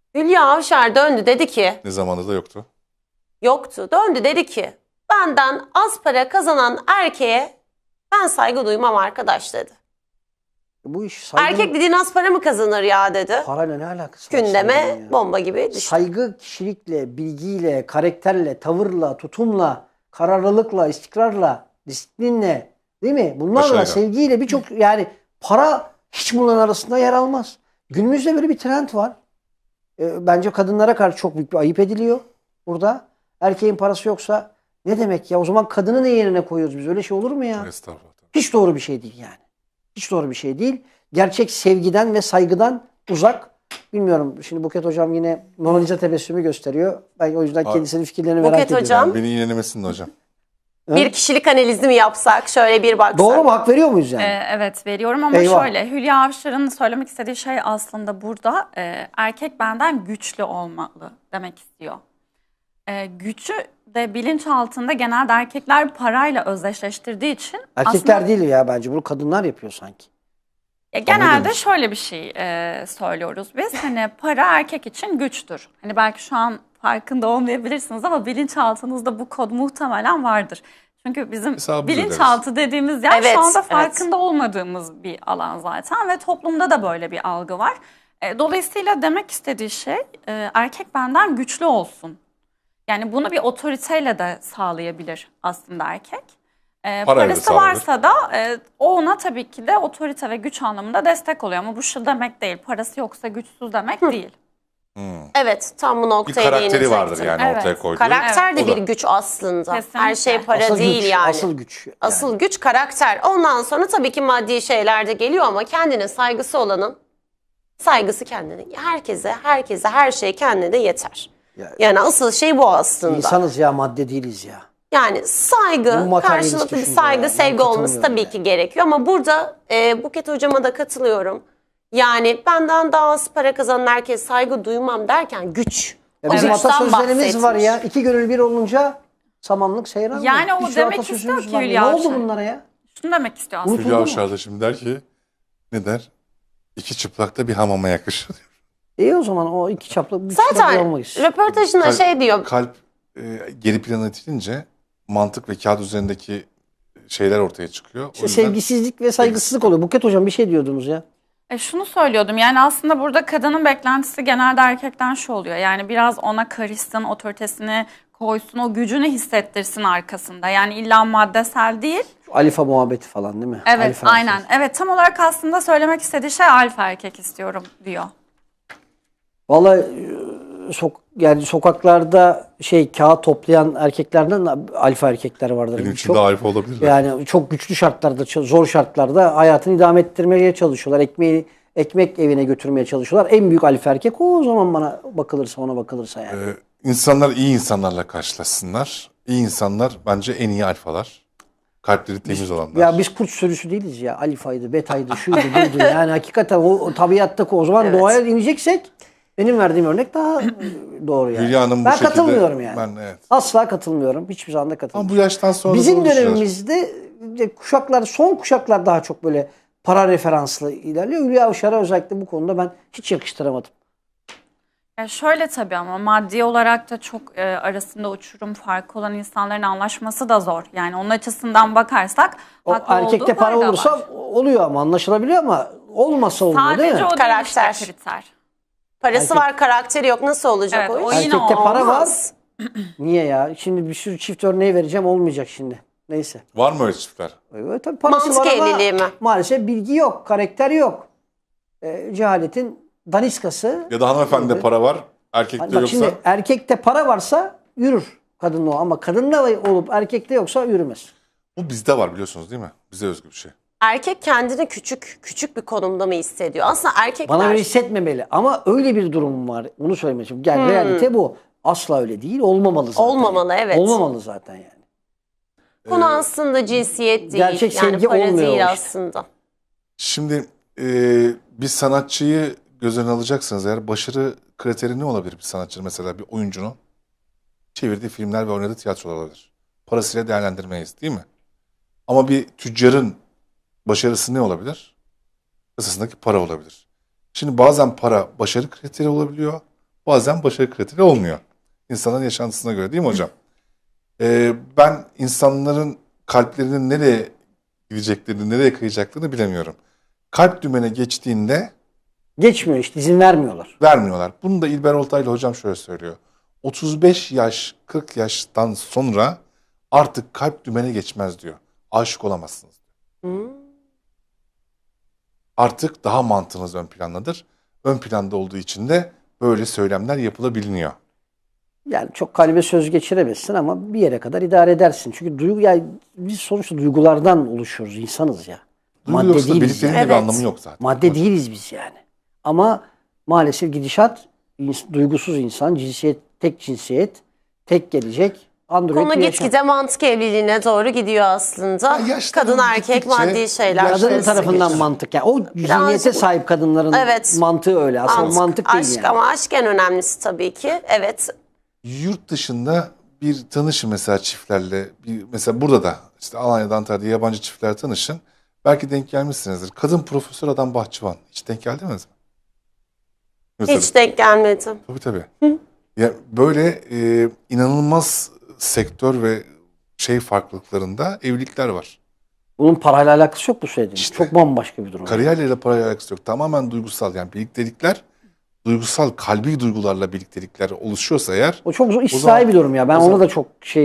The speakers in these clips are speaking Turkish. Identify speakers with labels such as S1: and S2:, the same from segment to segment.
S1: Hülya Avşar döndü dedi ki,
S2: Ne zamanında da yoktu.
S1: yoktu. Döndü dedi ki, benden az para kazanan erkeğe ben saygı duymam arkadaş dedi.
S3: Bu iş saygı...
S1: Erkek dediğin az para mı kazanır ya dedi.
S3: Parayla ne alakası var?
S1: Gündeme
S3: saygının ya?
S1: bomba gibi düştü.
S3: Saygı kişilikle, bilgiyle, karakterle, tavırla, tutumla, kararlılıkla, istikrarla, disiplinle, değil mi? Bunlarla,
S2: Başarıyla.
S3: sevgiyle birçok yani para hiç bunların arasında yer almaz. Günümüzde böyle bir trend var. Bence kadınlara karşı çok büyük bir ayıp ediliyor burada. Erkeğin parası yoksa ne demek ya? O zaman kadını ne yerine koyuyoruz biz? Öyle şey olur mu ya?
S2: Estağfurullah.
S3: Hiç doğru bir şey değil yani. Hiç doğru bir şey değil. Gerçek sevgiden ve saygıdan uzak. Bilmiyorum. Şimdi Buket Hocam yine Mona Lisa tebessümü gösteriyor. Ben o yüzden kendisinin fikirlerini merak
S1: Buket
S3: ediyorum.
S1: Hocam.
S2: Beni iğnenemesin de hocam.
S1: Bir kişilik analizi mi yapsak? Şöyle bir baksak.
S3: Doğru mu? Hak veriyor muyuz yani?
S4: Evet veriyorum ama
S3: Eyvah.
S4: şöyle Hülya Avşar'ın söylemek istediği şey aslında burada erkek benden güçlü olmalı demek istiyor. Gücü de bilinç altında genelde erkekler parayla özdeşleştirdiği için
S3: Erkekler
S4: aslında,
S3: değil ya bence. Bunu kadınlar yapıyor sanki.
S4: genelde
S2: demiş.
S4: şöyle bir şey söylüyoruz biz. Hani para erkek için güçtür. Hani belki şu an farkında olmayabilirsiniz ama bilinçaltınızda bu kod muhtemelen vardır. Çünkü bizim
S2: Hesabımızı
S4: bilinçaltı dediğimiz yer
S1: Evet,
S4: şu anda
S1: evet.
S4: farkında olmadığımız bir alan zaten ve toplumda da böyle bir algı var. Dolayısıyla demek istediği şey erkek benden güçlü olsun. Yani bunu bir otoriteyle de sağlayabilir aslında erkek.
S2: da
S4: Parası
S2: sağlanır.
S4: varsa da o ona tabii ki de otorite ve güç anlamında destek oluyor. Ama bu şu demek değil, parası yoksa güçsüz demek değil.
S1: Evet, tam bu
S2: Bir
S1: noktaya
S2: karakteri
S1: değinecektim.
S2: vardır yani
S4: Evet.
S2: ortaya koyduğu.
S1: Karakter de
S2: O da.
S1: bir güç aslında.
S4: Kesinlikle.
S1: Her şey para
S3: Asıl
S1: değil
S3: güç.
S1: yani.
S3: Asıl güç. Yani.
S1: Asıl güç karakter. Ondan sonra tabii ki maddi şeyler de geliyor ama kendine saygısı olanın saygısı kendine. Herkese her şey kendine yeter. Yani asıl şey bu aslında.
S3: İnsanız ya, madde değiliz ya.
S1: Yani saygı,
S3: Bu materyalist
S1: karşılıklı bir
S3: düşünce
S1: saygı,
S3: ya. Ben
S1: sevgi olması
S3: katılmıyorum
S1: tabii
S3: yani.
S1: ki gerekiyor. Ama burada Buket Hocama da katılıyorum. Yani benden daha az para kazanan herkes saygı duymam derken güç.
S3: Ya
S1: O
S3: bizim
S1: güçten
S3: atasözlerimiz var ya.
S1: bahsetmiş.
S3: İki gönül bir olunca samanlık seyran.
S4: Yani o
S3: Bir sürü
S4: demek
S3: atasözümüz
S4: istiyor ki
S3: var.
S4: Hülya
S3: Ne oldu
S4: Avşar.
S3: bunlara ya?
S4: Şunu demek istiyor aslında.
S3: Unutuldu
S2: Hülya
S3: mu?
S2: Avşar da şimdi der ki ne der? İki çıplakta bir hamama yakışır.
S3: İyi o zaman o iki çaplı bir çıplak
S1: Zaten
S3: olmayız.
S1: röportajında
S2: Kalp-
S1: şey diyor.
S2: Kalp geri plana itilince mantık ve kağıt üzerindeki şeyler ortaya çıkıyor. O
S3: İşte
S2: yüzden
S3: sevgisizlik ve saygısızlık oluyor. Buket Hocam bir şey diyordunuz ya.
S4: Şunu söylüyordum yani aslında burada kadının beklentisi genelde erkekten şu oluyor. Yani biraz ona karışsın, otoritesini koysun, o gücünü hissettirsin arkasında. Yani illa maddesel değil.
S3: Şu Alifa muhabbeti falan değil mi?
S4: Evet
S3: Alifa
S4: aynen.
S3: erkek.
S4: Evet tam olarak aslında söylemek istediği şey alfa erkek istiyorum diyor.
S3: Vallahi yani sokaklarda kağıt toplayan erkeklerden de alfa erkekler vardır.
S2: benim için
S3: Çok.
S2: de alfa olabilir.
S3: Yani çok güçlü şartlarda, zor şartlarda hayatını idame ettirmeye çalışıyorlar. Ekmek evine götürmeye çalışıyorlar. En büyük alfa erkek o zaman bana bakılırsa, ona bakılırsa yani.
S2: İnsanlar iyi insanlarla karşılaşsınlar. İyi insanlar bence en iyi alfalar. Kalpleri temiz olanlar.
S3: Ya biz kurt sürüsü değiliz ya. Alifaydı, betaydı, şuydu, buydu. Yani hakikaten o tabiattaki o zaman doğaya ineceksek benim verdiğim örnek daha doğru yani.
S2: Hülya Hanım bu
S3: Ben
S2: şekilde-
S3: katılmıyorum yani.
S2: Ben evet.
S3: Asla katılmıyorum. Hiçbir zaman da
S2: Ama
S3: katılmıyorum.
S2: bu yaştan sonra
S3: Bizim
S2: da oluşuyor.
S3: dönemimizde son kuşaklar daha çok böyle para referanslı ilerliyor. Hülya Avşar'a özellikle bu konuda ben hiç yakıştıramadım.
S4: Şöyle tabii ama maddi olarak da çok arasında uçurum farkı olan insanların anlaşması da zor. Yani onun açısından bakarsak
S3: O
S4: haklı
S3: erkekte
S4: olduğu
S3: para
S4: payda
S3: olursa
S4: var.
S3: oluyor ama anlaşılabiliyor ama olmasa olmuyor değil
S4: Sadece
S3: mi?
S4: o değil
S1: Karakter.
S4: işte kriter.
S1: Parası
S3: Erkek-
S1: var, karakteri yok. Nasıl olacak
S4: Evet,
S1: o
S4: o
S1: iş?
S4: yine
S3: Erkekte para var.
S1: Olmaz.
S3: Niye ya? Şimdi bir sürü çift örneği vereceğim olmayacak şimdi. Neyse.
S2: Var mı öyle çiftler?
S3: Evet, tabii parası
S1: Mantık
S3: var ama
S1: evliliği mi?
S3: maalesef bilgi yok, karakter yok. Cehaletin daniskası.
S2: Ya da hanımefendide
S3: Evet.
S2: para var, erkekte
S3: Bak
S2: yoksa
S3: şimdi erkekte para varsa yürür kadınla o ama kadında olup erkekte yoksa yürümez.
S2: bu bizde var biliyorsunuz değil mi? Bize özgü bir şey.
S1: Erkek kendini küçük bir konumda mı hissediyor? Aslında erkekler
S3: Bana öyle hissetmemeli ama öyle bir durum var. Onu söylemeye çalışıyorum. Yani realite bu. Asla öyle değil. Olmamalı zaten.
S1: Olmamalı, evet.
S3: Olmamalı zaten yani.
S1: konu aslında cinsiyet değil.
S3: Gerçek
S1: yani
S3: sevgi
S1: para
S3: olmuyor
S1: değil
S3: işte.
S1: aslında.
S2: Şimdi bir sanatçıyı göz önüne alacaksınız eğer başarı kriteri ne olabilir bir sanatçının mesela bir oyuncunun? Çevirdiği filmler ve oynadığı tiyatrolar olabilir. Parasıyla değerlendirmeyiz değil mi? Ama bir tüccarın başarısı ne olabilir? Kasasındaki para olabilir. Şimdi bazen para başarı kriteri olabiliyor. bazen başarı kriteri olmuyor. İnsanların yaşantısına göre değil mi hocam? Ben insanların kalplerinin nereye gideceklerini, nereye kayacaklarını bilemiyorum. Kalp dümene geçtiğinde
S3: Geçmiyor işte, izin vermiyorlar.
S2: vermiyorlar. Bunu da İlber Ortaylı hocam şöyle söylüyor. 35 yaş, 40 yaştan sonra artık kalp dümene geçmez diyor. Aşık olamazsınız. Artık daha mantığınız ön plandadır. Ön planda olduğu için de böyle söylemler yapılabiliyor.
S3: Yani çok kalbe söz geçiremezsin ama bir yere kadar idare edersin. Çünkü duygu, yani biz sonuçta duygulardan oluşuyoruz, insanız ya.
S2: Duygu
S3: Madde
S2: yoksa
S3: değiliz
S2: birliklerin
S3: yani.
S2: de bir anlamı yok zaten.
S3: Madde değiliz biz yani. Ama maalesef gidişat duygusuz insan, tek cinsiyet, tek gelecek, android
S1: Konu
S3: bir yaşam.
S1: gitgide mantık evliliğine doğru gidiyor aslında.
S2: Ya yaştan
S1: Kadın erkek
S2: gittikçe-
S1: maddi şeyler.
S3: Kadın
S1: arası
S3: tarafından
S1: geçiyor.
S3: mantık. Yani o zihniyete sahip kadınların
S1: Evet.
S3: mantığı öyle. Aslında mantık değil
S1: aşk
S3: yani.
S1: ama aşk en önemlisi tabii ki. Evet.
S2: Yurt dışında bir tanışın mesela çiftlerle. Mesela burada da işte Alanya'da, Antalya'da yabancı çiftler tanışın. Belki denk gelmişsinizdir. Kadın profesör, adam bahçıvan. Hiç denk geldiniz mi? Mesela,
S1: Hiç denk gelmedim.
S2: tabii. Ya böyle inanılmaz sektör ve farklılıklarında evlilikler var.
S3: Bunun parayla alakası yok bu söylediğin.
S2: İşte.
S3: Çok bambaşka bir durum.
S2: Kariyerle de parayla alakası yok. Tamamen duygusal, yani birliktelikler, duygusal, kalbi duygularla birliktelikler oluşuyorsa eğer,
S3: O çok istisnai
S2: zaman-
S3: bir durum ya. Ben
S2: o
S3: ona
S2: zaman-
S3: da çok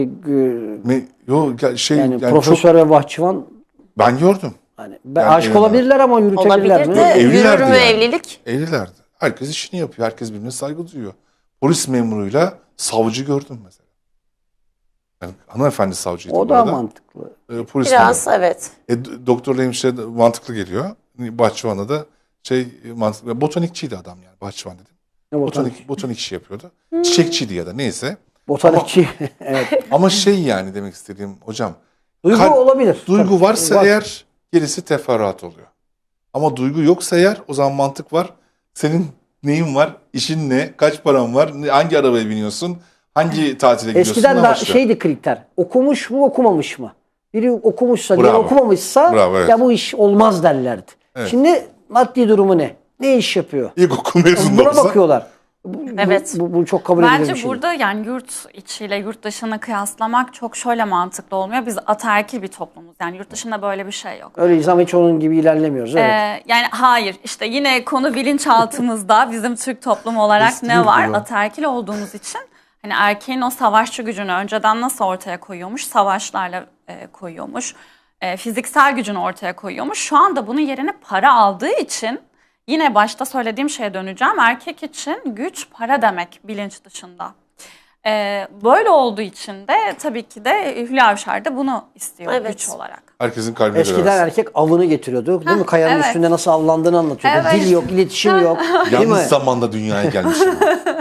S3: yani
S2: çok,
S3: profesör ve bahçıvan
S2: ben gördüm.
S3: hani
S2: Yani
S3: aşık
S2: evet.
S3: olabilirler ama yürütebilirler
S1: Olabilir
S3: mi?
S1: de
S2: Evlilerdi
S1: yürür mü
S2: yani.
S1: evlilik?
S2: Evlilerdi. Herkes işini yapıyor. Herkes birbirine saygı duyuyor. Polis memuruyla savcı gördüm mesela. Yani hanımefendi savcıydı
S3: O
S2: bu
S3: da
S2: arada.
S3: mantıklı.
S2: Polis
S1: Biraz
S2: memuru.
S1: evet.
S2: Doktorla hemşire de mantıklı geliyor. Bahçıvan'a da mantıklı. Botanikçiydi adam yani, bahçıvan dedim.
S3: Ne botanik?
S2: Botanik işi yapıyordu. Çiçekçiydi ya da neyse.
S3: Botanikçi. Evet.
S2: Ama yani demek istediğim hocam.
S3: Duygu olabilir.
S2: Duygu
S3: Tabii.
S2: varsa
S3: Var.
S2: eğer gerisi teferruat oluyor. Ama duygu yoksa eğer o zaman mantık var. Senin neyin var? İşin ne? Kaç paran var? Hangi arabaya biniyorsun? Hangi tatile gidiyorsun?
S3: Eskiden
S2: Ne
S3: de
S2: başlıyor?
S3: şeydi kriter. Okumuş mu okumamış mı? Biri okumuşsa, biri
S2: Bravo.
S3: okumamışsa
S2: Bravo, evet.
S3: ya bu iş olmaz derlerdi.
S2: Evet.
S3: Şimdi maddi durumu ne? Ne iş yapıyor?
S2: İlkokul mezunu
S3: Buna
S2: olsa.
S3: bakıyorlar.
S1: Evet.
S3: Bu çok kabul edilir bir
S4: Bence
S3: şey.
S4: burada yani yurt içiyle yurt dışını kıyaslamak çok şöyle mantıklı olmuyor. Biz ataerkil bir toplumuz. Yani yurt dışında böyle bir şey yok.
S3: Öyleyiz ama hiç onun gibi ilerlemiyoruz. Evet.
S4: Yani hayır, işte yine konu bilinçaltımızda bizim Türk toplumu olarak
S2: Eski
S4: ne var?
S2: diyor.
S4: Ataerkil olduğumuz için hani erkeğin o savaşçı gücünü önceden nasıl ortaya koyuyormuş? Savaşlarla koyuyormuş. Fiziksel gücünü ortaya koyuyormuş. Şu anda bunun yerine para aldığı için yine başta söylediğim şeye döneceğim. Erkek için güç para demek bilinç dışında. Böyle olduğu için de tabii ki de Hülya Avşar da bunu istiyor
S1: Evet.
S4: güç olarak.
S2: Herkesin kalbine göre
S3: Eskiden
S2: versin.
S3: erkek avını getiriyordu. Değil mi? Kayanın
S4: evet.
S3: üstünde nasıl avlandığını anlatıyordu.
S4: Evet.
S3: Dil yok, iletişim yok. Değil mi?
S2: Yanlış zamanda dünyaya gelmişim.